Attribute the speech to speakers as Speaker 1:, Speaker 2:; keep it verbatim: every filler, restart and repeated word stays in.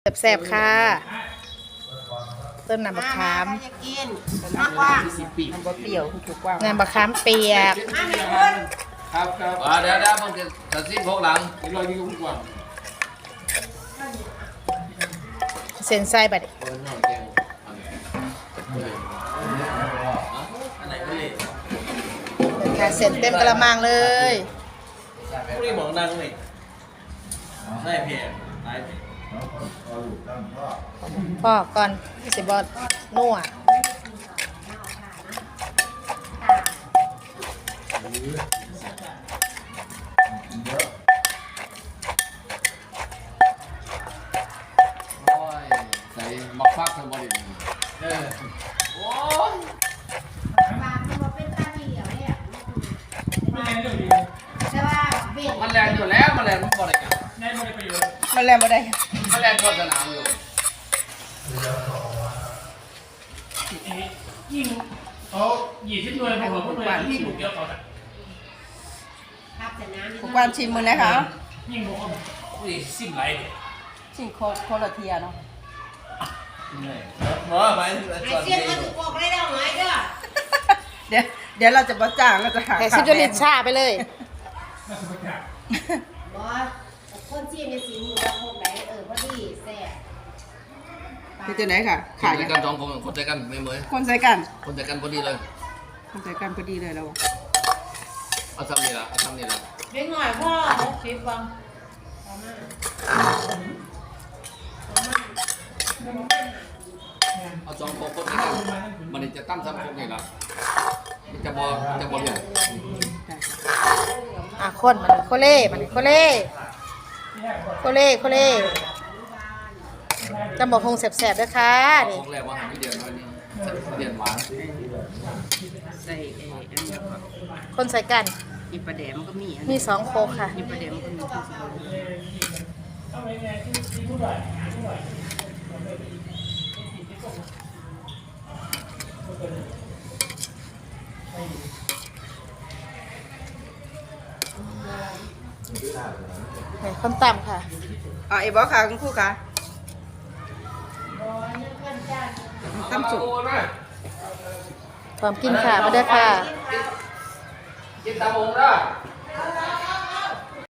Speaker 1: แซ่บๆค่ะต้นน้ำมะขาม
Speaker 2: จะกินมากกว่ามันก็เปรี้ยวถูกกว่า
Speaker 1: น้ำมะขามเปียก
Speaker 3: ครับครับอ่าเดี๋ยวเดี๋ยวมึงจะตัดสินพวกหลังอีกร้อยยี่สิบกว่า
Speaker 1: เส้นไส้บัดค่ะเส้นเต็มกระมังเลย
Speaker 3: พวกนี้หมองนั่งเลยได้เพียงได้เพียง
Speaker 1: พ่อก่อนสิบอดนัว
Speaker 3: ใส่มักฟักทั้งหมดเลยเออโอ้ยมันแรงอยู่แล้วมันแรงมันบ่ได้กัน
Speaker 1: มันแรงบ่ได้
Speaker 3: มันแรงก็สนามอยู่
Speaker 4: ยิ่งเขาหยี่สิบหน่วยผมบอกว่าหน่วยที่ถูกเยอะเขาแต่
Speaker 2: ผมความชิมมือนะคะ
Speaker 4: ยิ่งบอกว่าอุ้ยซิมไหลเลย
Speaker 2: ชิมโคโคลาเทียเนาะ
Speaker 3: หมอไปไอ้
Speaker 2: เสี้ยนมันถูกบอกได้แล้วไหมเด้อเดี๋ยวเดี๋ยวเราจะบ่จ้างเราจะหา
Speaker 1: แต่ซิจลิตชาไปเลย
Speaker 4: น่าสนใจ
Speaker 2: บอสคนชิมในสีมือเราคงได้เออพอดีแซ่บที่จะไหนค่ะ
Speaker 3: ขายกันสองคนคนใจกันไม่เหมือน
Speaker 2: คนใจกัน
Speaker 3: คนใจกันพอดีเลย
Speaker 2: คนใจกันพอดีเลยเรา
Speaker 3: เอาทำนี่ละเอาทำนี่ละ
Speaker 2: เล็กหน่อยพ่อหกสิบบัง
Speaker 3: เอาสองคนคนใจกันมันจะตั้มซ้ำคนนี่ละมันจะบอจะบออย่าง
Speaker 1: อ่ะคนมันโคเล่มันโคเล่โคเล่โคเล่จะบอกคงแซ่บๆด้วยค่ะนี่
Speaker 3: ของแรกว่าหาที่เดียนวันนี้เดียนหวาน
Speaker 2: ใส่ไอ้อันนี้ก่อน
Speaker 1: คนใส่กัน
Speaker 2: มีปลาแดมก็มี
Speaker 1: มีสองโคกค่ะ
Speaker 2: มีปลาแดมก็มี
Speaker 1: คนต่ำค่ะ
Speaker 2: อ๋อไอ้บอสค่ะคุณครูค่ะตั้มสุก
Speaker 1: พร้อมกินค่ะมาเด้อค่ะ
Speaker 3: กินตามงนะ